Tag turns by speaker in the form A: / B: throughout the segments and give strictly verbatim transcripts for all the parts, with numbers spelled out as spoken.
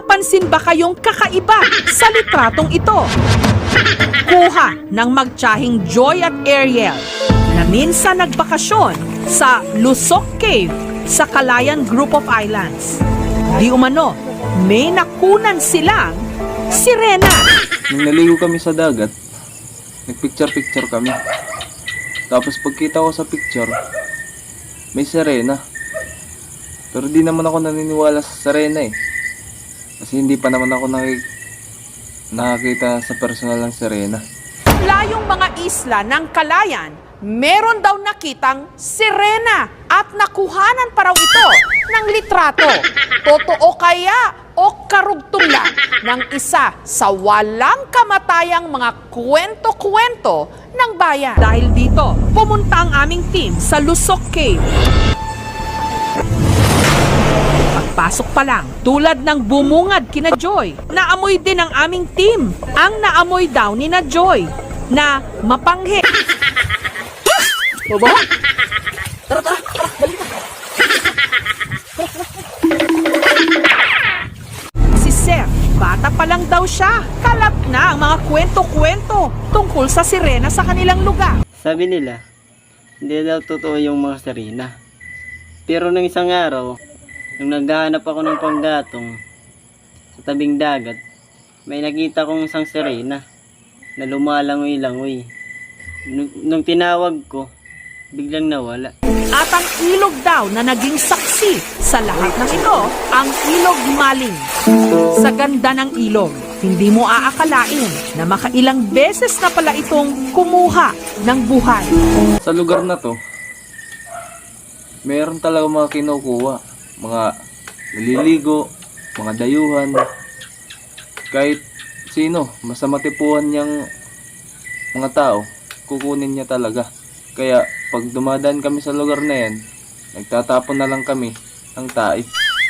A: napapansin ba kayong kakaiba sa litratong ito? Kuha ng magtsahing Joy at Ariel na minsan nagbakasyon sa Lusok Cave sa Calayan Group of Islands. Di umano, may nakunan silang sirena.
B: Nung naligo kami sa dagat, nagpicture-picture kami. Tapos pagkita ko sa picture, may sirena. Pero di naman ako naniniwala sa sirena eh. Kasi hindi pa naman ako nakik nakakita sa personal ng sirena.
A: Layong mga isla ng Calayan, meron daw nakitang sirena at nakuhanan pa raw ito ng litrato. Totoo kaya o karugtong lang ng isa sa walang kamatayang mga kwento-kwento ng bayan? Dahil dito, pumunta ang aming team sa Lusok Cave. Pagpasok pa lang, tulad ng bumungad kina Joy, naamoy din ang aming team. Ang naamoy daw ni na Joy na mapanghe.
C: Baba? Tara, tara, tara, balik na.
A: Si Sir, bata pa lang daw siya. Kalat na ang mga kwento-kwento tungkol sa sirena sa kanilang lugar.
C: Sabi nila, hindi daw totoo yung mga sirena. Pero nung isang araw, nung naghahanap ako ng panggatong sa tabing dagat, may nakita kong isang sirena na lumalangoy-langoy. Nung, nung tinawag ko, biglang nawala.
A: At ang ilog daw na naging saksi sa lahat ng ito, ang ilog Maling. Sa ganda ng ilog, hindi mo aakalain na makailang beses na pala itong kumuha ng buhay.
B: Sa lugar na to, meron talaga mga kinukuha. Mga naliligo, mga dayuhan. Kahit sino, basta matipuhan niyang mga tao, kukunin niya talaga. Kaya pag dumadaan kami sa lugar na yan, nagtatapon na lang kami ng tae.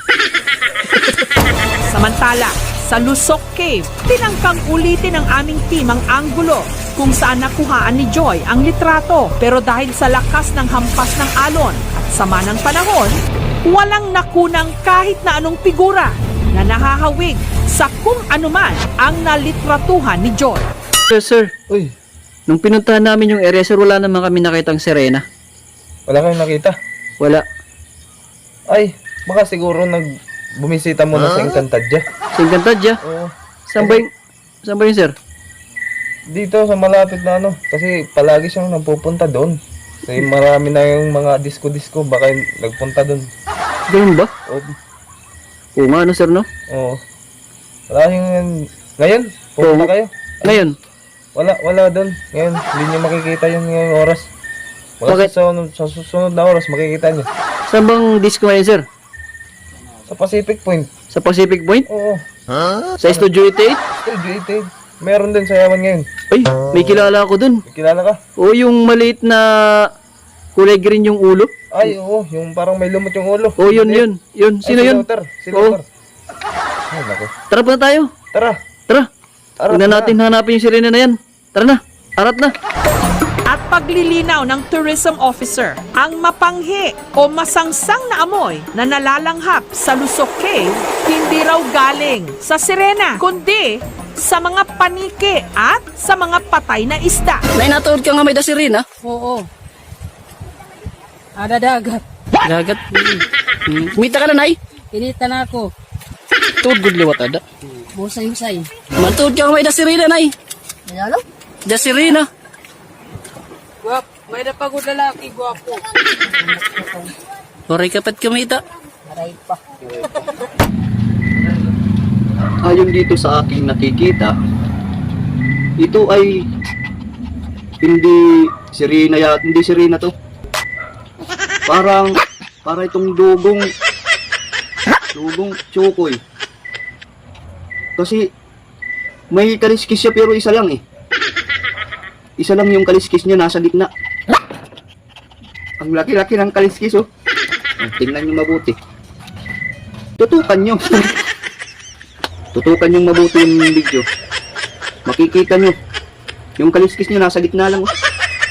A: Samantala, sa Lusok Cave, tinangkang ulitin ng aming team ang anggulo kung saan nakuhaan ni Joy ang litrato. Pero dahil sa lakas ng hampas ng alon at sama ng panahon, walang nakunang kahit na anong figura na nahahawig sa kung anuman ang nalitratuhan ni Joy.
D: Sir, sir,
B: Uy,
D: nung pinuntahan namin yung area, sir, wala naman kami nakitang sirena.
B: wala kayong nakita?
D: Wala.
B: Ay, baka siguro nag bumisita muna sa Encantadia.
D: Sa Encantadia?
B: Oo.
D: Saan ba yung, saan ba yung, sir?
B: Dito sa malapit na ano, kasi palagi siyang napupunta doon. Kasi marami na yung mga disco-disco, baka yung nagpunta doon.
D: Ganun ba?
B: Oo.
D: Oo nga, ano, sir, no?
B: Oo. Wala yung... Ngayon, pupunta
D: Oo.
B: kayo.
D: Ngayon,
B: Wala, wala doon. Ngayon, hindi niyo makikita yun ngayong oras. Wala
D: Bakit?
B: sa, sunod, sa susunod na oras, makikita niyo.
D: saan bang disco ngayon, sir?
B: Sa Pacific Point.
D: Sa Pacific Point?
B: Oo.
D: Sa Studio eighty-eight?
B: Still gated. Meron din sa Yaman ngayon.
D: Ay, may kilala ako dun.
B: May kilala ka?
D: Oo, yung maliit na kulay green yung ulo.
B: Ay, oo. Yung parang may lumot yung ulo.
D: Oo, yun,
B: Hindi.
D: yun. Yun,
B: Ay,
D: sino
B: si
D: yun?
B: Luther. Si
D: Oo.
B: Luther. Ay, naku.
D: Tara pa na tayo.
B: Tara.
D: Tara.
B: Tara.
D: Tignan
B: tara.
D: natin hanapin yung sirena na yan. Tara na. Arat na.
A: At paglilinaw ng tourism officer, ang mapanghi o masangsang na amoy na nalalanghap sa Lusok Cave, hindi raw galing sa sirena, kundi sa mga paniki at sa mga patay na isda.
E: Nay, natuod ka nga may dasirin, ha?
F: Oo. Ada dagat.
E: Dagat. Hmm. Kumita ka na, Nay?
F: Inita na ako.
E: Tuod good liwat ada.
F: Musay-musay.
E: Matuod ka nga may dasirin, Nay.
F: Ano?
E: Dasirin, ha?
F: Guwap. May napagod lalaki, guwapo.
E: Oray kapat kumita.
F: Aray pa.
D: Ayon dito sa aking nakikita, ito ay hindi sirena ya, hindi sirena to. Parang para itong dugong dugong tsukoy. Kasi may kaliskis siya pero isa lang eh. Isa lang yung kaliskis niya nasa gitna. Ang laki-laki ng kaliskis oh. Tingnan niyo mabuti. Tutukan niyo. Tutukan yung mabuti yung video. Makikita nyo. Yung kaliskis nyo nasa gitna lang. Oh.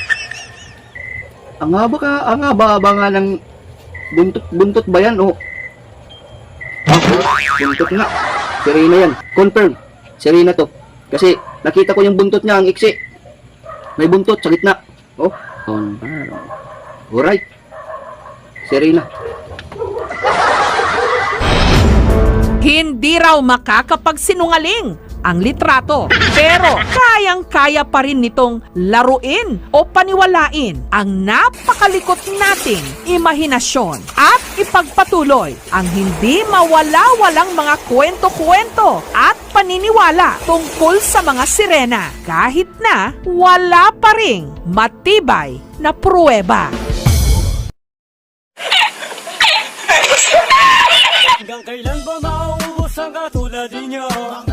D: Ang haba ka, ang haba-haba nga ng buntot, buntot ba yan? Oh. Ah, buntot nga. Si Reyna yan. Confirm. Si Reyna to. Kasi nakita ko yung buntot niya, ang iksi. May buntot sa gitna. Oh. Confirm. Alright. Si Reyna.
A: Hindi raw makakapagsinungaling ang litrato. Pero kayang-kaya pa rin nitong laruin o paniwalain ang napakalikot nating imahinasyon at ipagpatuloy ang hindi mawala-walang mga kwento-kwento at paniniwala tungkol sa mga sirena kahit na wala pa ring matibay na pruweba.
G: Hanggang kailan ba mauubos ang katulad ninyo?